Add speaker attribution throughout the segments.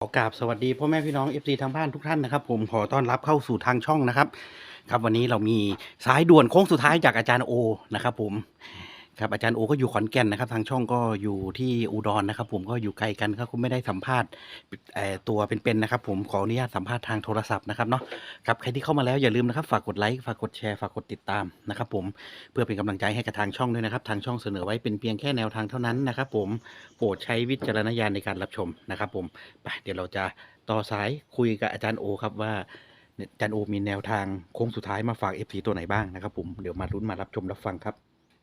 Speaker 1: ขอกราบสวัสดีพ่อแม่พี่น้อง FC ทางบ้านทุกท่านนะครับผมขอต้อนรับเข้าสู่ทางช่องนะครับครับวันนี้เรามีสายด่วนโค้งสุดท้ายจากอาจารย์โอนะครับผมครับอาจารย์โอก็อยู่ขอนแก่นนะครับทางช่องก็อยู่ที่อุดรนะครับผมก็อยู่ไกลกันครับก็ไม่ได้สัมภาษณ์ตัวเป็นๆนะครับผมขออนุญาตสัมภาษณ์ทางโทรศัพท์นะครับเนาะครับใครที่เข้ามาแล้วอย่าลืมนะครับฝากกดไลค์ฝากกดแชร์ฝากกดติดตามนะครับผมเพื่อเป็นกำลังใจให้กับทางช่องด้วยนะครับทางช่องเสนอไว้เป็นเพียงแค่แนวทางเท่านั้นนะครับผมโปรดใช้วิจารณญาณในการรับชมนะครับผมไปเดี๋ยวเราจะต่อสายคุยกับอาจารย์โอครับว่าอาจารย์โอมีแนวทางโค้งสุดท้ายมาฝาก FC ตัวไหนบ้างนะครับผมเดี๋ยวมาลุ้นมารับชมรับฟังครับ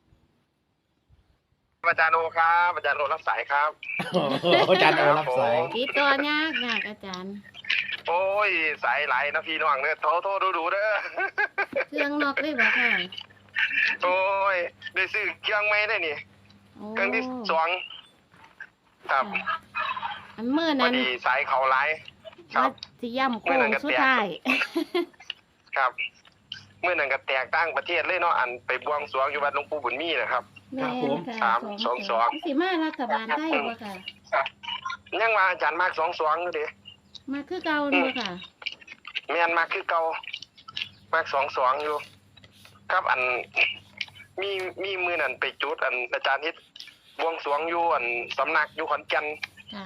Speaker 2: อาจารย์โอครับอาจารย์โอรับสายครับ
Speaker 1: อาจารย์โอรับสาย
Speaker 3: ติดตัวยากอาจารย์
Speaker 2: โอ้ยสายไหลนะพี่น้องเนี่ยโทรดูเด้อ
Speaker 3: เครื่องนอกเลยบ่ค่ะ
Speaker 2: โอ้ยได้ซื้อเครื่องไม่ได้นี่
Speaker 3: โอ้
Speaker 2: เครื่องที่สองครับ
Speaker 3: ค่ะอันเมื่อ
Speaker 2: พอ
Speaker 3: นั้น
Speaker 2: ดีสายเขาไหลครั
Speaker 3: ว่า
Speaker 2: บ
Speaker 3: สิย่ำโค้งสุดท้าย
Speaker 2: ครับเมื่อนั้นก็แตกตั้งประเทศเลยเนาะอันไปบวงสรวงอยู่วัดหลวงปู่บุญมีนะครับ
Speaker 3: แม่นค่ะ
Speaker 2: สามสองสอง
Speaker 3: สิมารัฐบาลได้บ่ค่ะ
Speaker 2: ยังมาอาจารย์มาก22อยู่เด้
Speaker 3: มาคือเก่าเนาะค่ะ
Speaker 2: แม่นมากคือเก่ามาก22อยู่ ครับอันมีมือนั่นไปจุดอันอาจารย์ฮิตบวงสรวงอยู่อันสำนักอยู่ขอนแก่น
Speaker 3: ค่ะ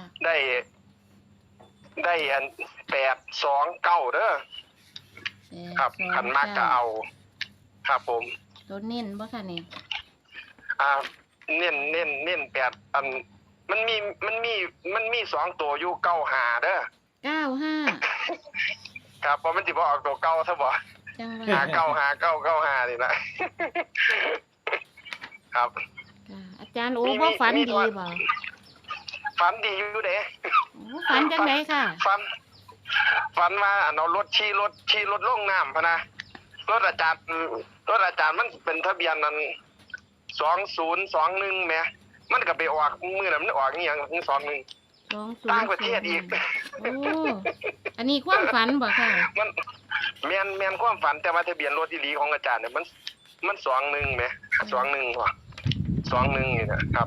Speaker 2: ได้อัน829เด้อครับขันมากก็เอา ครับผม
Speaker 3: ตัวเน้นบ่ค่ะนี่
Speaker 2: เน้น8อันมันมี2ตัวอยู่95เด้อ
Speaker 3: 95
Speaker 2: ครับเพราะมันสิบ่ออกตัวเก่าซะบ่
Speaker 3: จังห
Speaker 2: หา
Speaker 3: ว่า
Speaker 2: 95995นี่นะ ครับ
Speaker 3: ค่ะอาจารย์โอ้บ่ฝันดีบ่
Speaker 2: ฝันดีอยู่เด้
Speaker 3: โอ้ฝันจังไดค่ะ
Speaker 2: ฝันว่าอันเอารถขี่รถลงน้ำพะนะรถอาจารย์มันเป็นทะเบียนนั้น2021แหมมันก็ไปออกมื้อนั้นมันออกอีหยัง21ต่างประเทศอีก
Speaker 3: โอ้อันนี้ความฝันบ่ค่ะ
Speaker 2: มันแม่นความฝันแต่ว่าทะเบียนรถอีหลีของอาจารย์เนี่ยมัน21แหม21ว่ะ21นี่นะครับ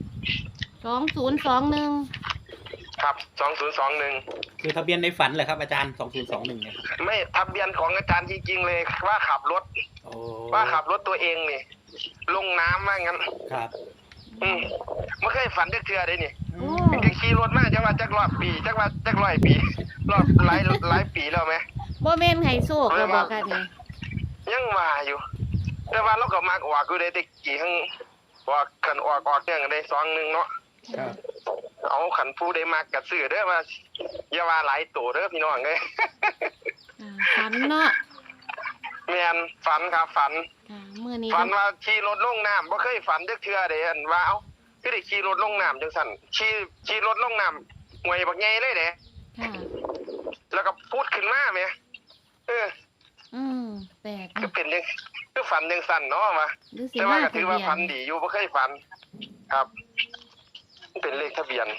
Speaker 3: 2021
Speaker 2: ครับ2021
Speaker 1: คือทะเบียนในฝันเหรอครับอาจารย์2021เนี่ย
Speaker 2: ไม่ทะเบียนของอาจารย์จริงๆเลยว่าขับรถ
Speaker 1: โอ้
Speaker 2: ว่าขับรถตัวเองนี่ลงน้ำว่างั้น
Speaker 1: ครับ
Speaker 2: ไม่เคยฝันเทื่อได้นี่
Speaker 3: โอ้
Speaker 2: จะขี่รถมาจักว่าจักรอบปีจักว่าจัก100 ปีรอบหลายปีแล้วไหม
Speaker 3: บ่แม่นไห้โชคแล้วบ่ค่ะนี่
Speaker 2: ยังมาอยู่ แต่ว่าเราก็มักออกอยู่ได้แต่กี่ครั้งว่าขันออกเนี่ยได้21เนาะ
Speaker 1: ครับ
Speaker 2: เอาขันผู้ได้มากกับซื้อเด้อว่าอย่าว่าหลายตัวเด้อพี่น้องเอ้ย
Speaker 3: ฝันเนาะ
Speaker 2: แม่นฝันครับฝัน
Speaker 3: ค่ะมื้อนี้
Speaker 2: ฝันว่าขี่รถลงน้ำบ่เคยฝันจักเทื่อเด้อันว่าเอ้าคือได้ขี่รถลงน้ำจังซั่นขี่รถลงน้ำห่วยบักใหญ่เลยเด้
Speaker 3: ค่ะ
Speaker 2: แล้วก็พูดขึ้นมาแหม
Speaker 3: แปลก
Speaker 2: ก็เป็นจังคือฝันจังซั่นเนาะว่า
Speaker 3: หรือสิ
Speaker 2: แต่ว่า
Speaker 3: มา
Speaker 2: ก็
Speaker 3: ทะ
Speaker 2: ถือ
Speaker 3: เบี
Speaker 2: ว่าย ฝัน
Speaker 3: น
Speaker 2: ดีอยู่บ่เคยฝัน ครับเป็นเลขทะเบียน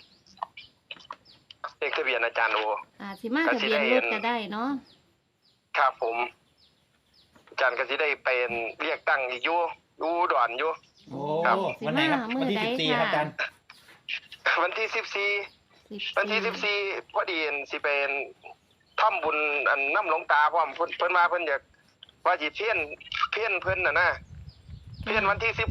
Speaker 2: อาจารย์โอ
Speaker 3: สิมาทะเบียนรถก็ได้เนาะ
Speaker 2: ครับผมอาจารย์ก็สิได้เป็นเรียกตั้งอีกอยู่อุดรอยู่
Speaker 1: โอ้
Speaker 2: ครับ
Speaker 1: วันไหนครับวันที่14ครับอาจารย์
Speaker 2: วันที่14วันที่14พอดีสิเป็นทำบุญอันน้ำหลวงตาพร้อมเพิ่นมาเพิ่นอยากว่าสิเพี้ยนเพิ่นน่ะนะเพี้ยนวันที่16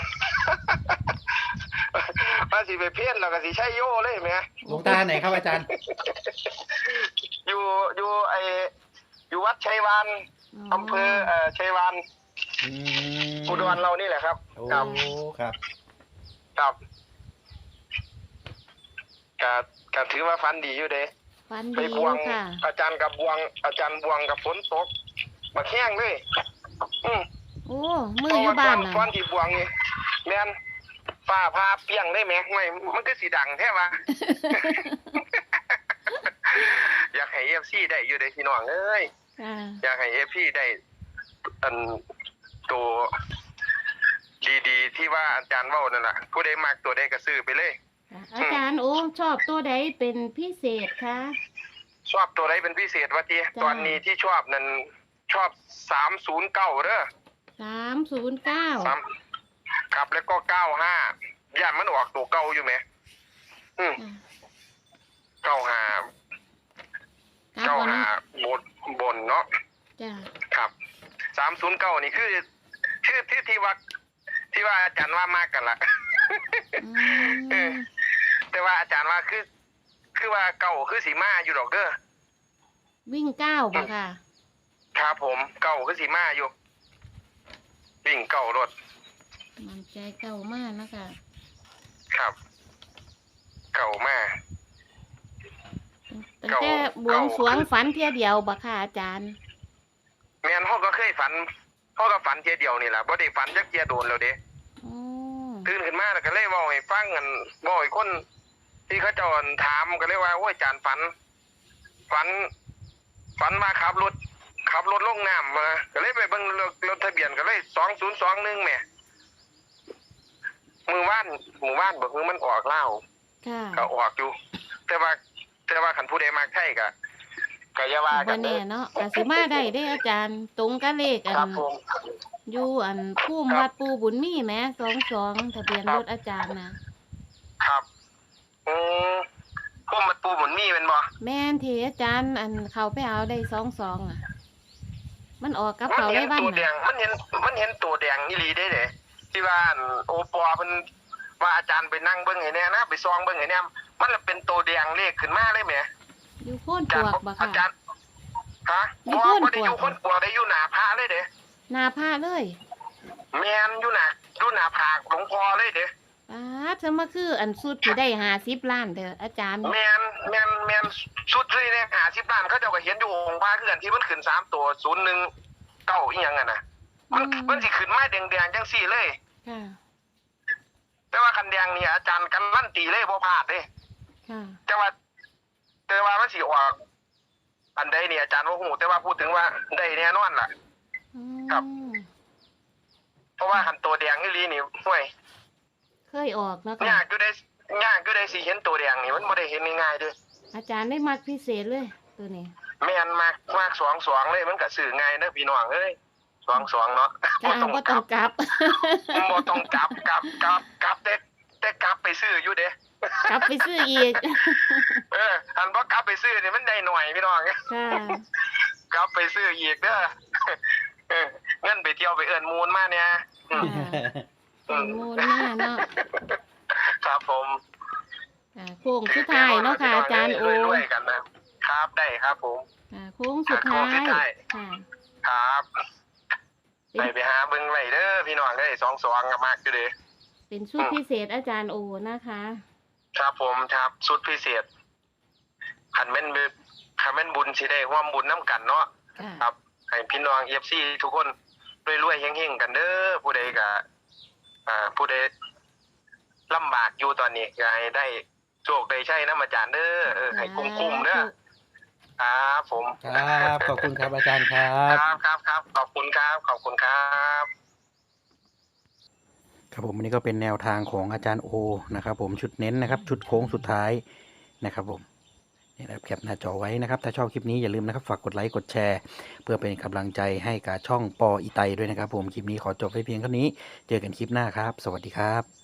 Speaker 2: ว่าสิไปเพี้ยนแล้วก็สิใช้โย่เลยแหม
Speaker 1: หลวงตาไหนครับอาจารย์
Speaker 2: อยู่อยู่วัดชัยวานอำเภอชัยวานอุดรเรานี่แหละครับ
Speaker 1: โอ้
Speaker 2: ครับ
Speaker 1: ครับ
Speaker 2: ครับก็ถือว่าฟันดีอยู่เด้
Speaker 3: ฝัน
Speaker 2: ไป
Speaker 3: ดี
Speaker 2: บวง
Speaker 3: ค่ะ
Speaker 2: อาจารย์บวงกับฝนตกมาแข้งเลย
Speaker 3: โอ้มืออยู่บ้านน่ะ
Speaker 2: ก่อนที่บวงนี่แม่นฟ้าพาเปียงได้แหมไม่มันก็สิดังแท้วะ อยากให้ FC ได้อยู่เด้พี่น้องเอ้ย
Speaker 3: ค่ะ
Speaker 2: อยากให้ FC ได้อันตัวดีๆที่ว่าอาจารย์เว้านั่นน่ะผู้ใดมักตัวใดก็ซื้อไปเลย
Speaker 3: อาจารย์โอ้ชอบตัวใดเป็นพิเศษคะ
Speaker 2: ชอบตัวใดเป็นพิเศษวะทีตอนนี้ที่ชอบนั่นชอบ309เด้อ
Speaker 3: 309
Speaker 2: ครับแล้วก็95ย่านมันออกตัวเก่าอยู่ไหม95 309นี่คือที่ว่าอาจารย์ว่ามากกันละ
Speaker 3: อืม
Speaker 2: แต่ว่าอาจารย์ว่าคือว่าเก่าคือสีมาอยู่ดอกเด้อ
Speaker 3: วิ่ง9บ่ค่ะ
Speaker 2: ครับผมเก่าคือสีมาอยู่วิ่งเก่ารถ
Speaker 3: มันใจเก่ามากนะคะ
Speaker 2: ครับ เก่ามาก
Speaker 3: ตั้งแต่บวงสรวงฝันเที่ยเดียวบ่ค่ะอาจารย์
Speaker 2: แม่นเฮาก็เคยฝันเฮาก็ฝันเทียเดียวนี่ล่ะบ่ได้ฝันจักเที่ยโดนแล้วเด้
Speaker 3: อ๋อ
Speaker 2: ตื่นขึ้นมาแล้วก็เลยเว้าให้ฟังกันเว้าให้คนที่เขาเจ้าถามก็เลยว่าโอ้ยอาจารย์ฝันมาขับรถลงน้ำมาก็เลยไปเบิ่งรถทะเบียนก็เลย2021แหมมือว่านบ่คือมันออกลาว
Speaker 3: ค่ะ
Speaker 2: ก็ออกอยู่ แต่ว่าคันผู้ใดมักไทยก็อย่าว่ากั
Speaker 3: บ่
Speaker 2: น
Speaker 3: แน่เนาะก็สิมาได้เด้อาจารย์ ตรงกับเลขอั
Speaker 2: ครับ
Speaker 3: น
Speaker 2: ผม
Speaker 3: อยู่อันภูมิวัดปูบุญมีแหม22ทะเบียนรถอาจารย์นะครับ
Speaker 2: อืมพวกมันปูหมุนมีเป็นบ่
Speaker 3: แม่นที่อาจารย์อันเขาไปเอาได้22อ่ะ มันออกกับเขา
Speaker 2: เห็
Speaker 3: ได้
Speaker 2: น
Speaker 3: บ้าน
Speaker 2: ตัวแด
Speaker 3: น่ะ
Speaker 2: งมันเห็นตัวแดงอีหลีได้เด้ที่ว่าอันโอปอเพิ่นว่าอาจารย์ไปนั่งเบิ่งให้แน่นะไปซองเบิ่งให้แน่มันละเป็นตัวแดงเลขขึ้นมาเลยแหม
Speaker 3: อยู่โค่น
Speaker 2: อา
Speaker 3: ป
Speaker 2: จาร
Speaker 3: ว
Speaker 2: ย์
Speaker 3: กบ่
Speaker 2: อา
Speaker 3: ค่ะ
Speaker 2: จารย์ฮะ
Speaker 3: อยู่
Speaker 2: บ่
Speaker 3: โพ่น
Speaker 2: บ่ได้อยู่
Speaker 3: ปวก
Speaker 2: คนปวกได้อยู่หน้าพระเลยเด้
Speaker 3: หน้าผ้าเลย
Speaker 2: แม่นอยู่หน้าผากหลวงพ่อเลยเด้
Speaker 3: ป้าดจะมาคืออันสุดที่ได้50ล้านเด้ออาจารย์
Speaker 2: แมนชุดที่เนี่ย50ล้านเขาเจ้าก็เห็นอยู่องค์พระคือกันที่มันขึ้น3ตัว019อีหยังอ่ะนะมันสิขึ้นมาแดงๆจังซี่เลย
Speaker 3: ค่ะ
Speaker 2: แต่ว่าคันแดงนี่อาจารย์กันลั่นตีเลยบ่พลาดเด้
Speaker 3: ค่ะ
Speaker 2: แต่ว่ามันสิออกอันใดนี่อาจารย์บ่ฮู้แต่ว่าพูดถึงว่าได้แน่นอนล่ะ
Speaker 3: อื
Speaker 2: ครับ
Speaker 3: ม
Speaker 2: เพราะว่าคันตัวแดงอีหลีนี่ห่วย
Speaker 3: เคยออกเนาะ
Speaker 2: ยา
Speaker 3: ค่ะ
Speaker 2: กอยู่ได้สิเห็นตัวแดงนี่มันบ่ได้เห็นง่ายๆเด้อ
Speaker 3: อาจารย์ได้มักพิเศษเลยตัวนี้
Speaker 2: แม่นมาก22เลยมันก็ซื้อง่ายเด้อพี่น้องเอ้ย22เนาะ
Speaker 3: จ้าบ่ต้องกลับ
Speaker 2: บ่ต้องกลับแต่กลับไปซื้ออยู่เด้
Speaker 3: กลับไปซื้ออีก
Speaker 2: อันบ่กลับไปซื้อนี่มันได้หน่อยพี่น้อง
Speaker 3: ค่ะ
Speaker 2: กลับไปซื้ออีกเด้อเงินไปเที่ยวไปเอิ้นมูลมาเนี่ย
Speaker 3: ค่ะเป็นมูลหน้าเนาะ
Speaker 2: ครับผม
Speaker 3: ค่ะโค้งสุดท้ายเนาะค่ะอาจารย์โอ
Speaker 2: รวยๆกันนะครับได้ครับผม
Speaker 3: ค่ะโค้งสุดท้า
Speaker 2: โค้งสุ
Speaker 3: ย
Speaker 2: ดท้าย
Speaker 3: ค่ะ
Speaker 2: ครับ
Speaker 3: เป็น
Speaker 2: ไปหาเบิ่งไว้เด้อพี่น้องเอ้ย22ก็มากอยู่เด้
Speaker 3: เป็นชุดพิเศษอาจารย์โอนะคะ
Speaker 2: ครับผมครับสุดพิเศษคันแม่นบุญสิได้ร่วมบุญนํกันเนาะ
Speaker 3: ค่ะ
Speaker 2: ครับให้พี่น้อง FC ทุกคนรวยๆเฮงๆกันเด้อผู้ใดก็ผู้ใดลำบากอยู่ตอนนี้ก็ให้ได้โชคได้ใช้นำอาจารย์เด้อให้คุ้มๆเด้อครับผม
Speaker 1: ครับ ขอบคุณครับอาจารย์ครับ
Speaker 2: ครับขอบคุณครับ
Speaker 1: ครับผมอันนี้ก็เป็นแนวทางของอาจารย์โอนะครับผมชุดเน้นนะครับชุดโค้งสุดท้ายนะครับผมนี่นะครับแคปหน้าจอไว้นะครับถ้าชอบคลิปนี้อย่าลืมนะครับฝากกดไลค์กดแชร์เพื่อเป็นกำลังใจให้กับช่องปออีไตด้วยนะครับผมคลิปนี้ขอจบไว้เพียงเท่านี้เจอกันคลิปหน้าครับสวัสดีครับ